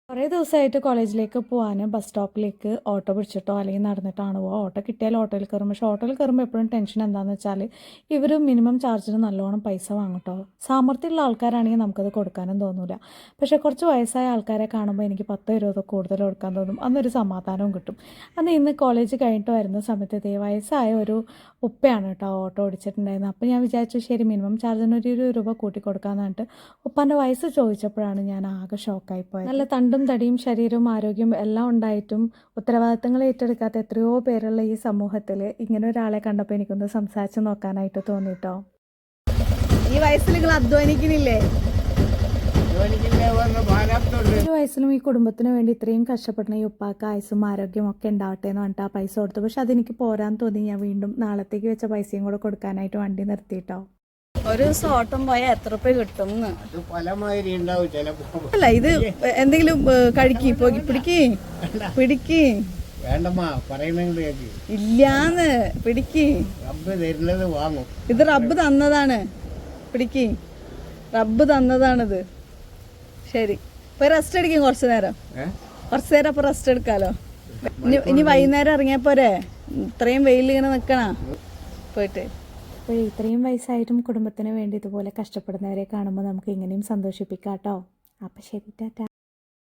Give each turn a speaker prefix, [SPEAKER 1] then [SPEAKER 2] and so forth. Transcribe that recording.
[SPEAKER 1] കുറേ ദിവസമായിട്ട് കോളേജിലേക്ക് പോകാൻ ബസ് സ്റ്റോപ്പിലേക്ക് ഓട്ടോ പിടിച്ചിട്ടോ അല്ലെങ്കിൽ നടന്നിട്ടാണ് പോവുക. ഓട്ടോ കിട്ടിയാൽ ഓട്ടോയിൽ കയറും. പക്ഷേ ഓട്ടോയിൽ കയറുമ്പോൾ എപ്പോഴും ടെൻഷൻ എന്താണെന്ന് വെച്ചാൽ ഇവർ മിനിമം ചാർജിന് നല്ലോണം പൈസ വാങ്ങട്ടോ. സാമർത്ഥ്യമുള്ള ആൾക്കാരാണെങ്കിൽ നമുക്കത് കൊടുക്കാനും തോന്നില്ല. പക്ഷേ കുറച്ച് വയസ്സായ ആൾക്കാരെ കാണുമ്പോൾ എനിക്ക് 10-20 കൂടുതൽ കൊടുക്കാൻ തോന്നും. അന്നൊരു സമാധാനവും കിട്ടും. ഇന്ന് കോളേജ് കഴിഞ്ഞിട്ട് വരുന്ന സമയത്ത് വയസ്സായ ഒരു ഉപ്പയാണ് കേട്ടോ ഓട്ടോ ഓടിച്ചിട്ടുണ്ടായിരുന്നത്. അപ്പോൾ ഞാൻ വിചാരിച്ചു ശരി മിനിമം ചാർജിന് ഒരു 20 രൂപ കൂട്ടി കൊടുക്കാമെന്ന് പറഞ്ഞിട്ട് ഉപ്പാൻ്റെ വയസ്സ് ചോദിച്ചപ്പോഴാണ് ഞാൻ ആകെ ഷോക്കായിപ്പോയത്. നല്ല തണ്ടും തടിയും ശരീരവും ആരോഗ്യവും എല്ലാം ഉണ്ടായിട്ടും ഉത്തരവാദിത്തങ്ങൾ ഏറ്റെടുക്കാത്ത എത്രയോ പേരുള്ള ഈ സമൂഹത്തിൽ ഇങ്ങനെ ഒരാളെ കണ്ടപ്പോൾ എനിക്കൊന്ന് സംസാരിച്ച് നോക്കാനായിട്ട് തോന്നിട്ടോ.
[SPEAKER 2] ഈ വയസ്സിൽ നിങ്ങൾ അധ്വാനിക്കുന്നില്ലേ?
[SPEAKER 1] ഒരു വയസ്സിലും ഈ കുടുംബത്തിന് വേണ്ടി ഇത്രയും കഷ്ടപ്പെടുന്ന ഈ ഉപ്പാക്ക് ആയുസും ആരോഗ്യം ഒക്കെ ഉണ്ടാവട്ടെ എന്ന് പറഞ്ഞിട്ട് ആ പൈസ കൊടുത്തു. പക്ഷെ അതെനിക്ക് പോരാൻ തോന്നി. ഞാൻ വീണ്ടും നാളത്തേക്ക് വെച്ച പൈസയും കൂടെ കൊടുക്കാനായിട്ട് വണ്ടി നിർത്തിയിട്ടോ.
[SPEAKER 2] ഒരു ദിവസം ഓട്ടം പോയാൽ എത്ര രൂപ കിട്ടും?
[SPEAKER 3] അല്ല
[SPEAKER 2] ഇത് എന്തെങ്കിലും കഴിക്ക് പിടിക്ക് ഇല്ലാന്ന് പിടിക്ക്. ഇത് റബ്ബ് തന്നതാണ്. പിടിക്ക്, റബ്ബ് തന്നതാണിത്. ശരി, ഇപ്പൊ റെസ്റ്റ് എടുക്കും. കുറച്ചു നേരം അപ്പൊ റെസ്റ്റ് എടുക്കാലോ. ഇനി വൈകുന്നേരം ഇറങ്ങിയാ പോരെ? ഇത്രയും വെയിൽ ഇങ്ങനെ നിക്കണ പോയിട്ട്.
[SPEAKER 1] അപ്പോൾ ഇത്രയും വയസ്സായിട്ടും കുടുംബത്തിന് വേണ്ടി ഇതുപോലെ കഷ്ടപ്പെടുന്നവരെ കാണുമ്പോൾ നമുക്ക് ഇങ്ങനെയും സന്തോഷിപ്പിക്കാം കേട്ടോ. അപ്പോൾ ശരി, ടാറ്റാ.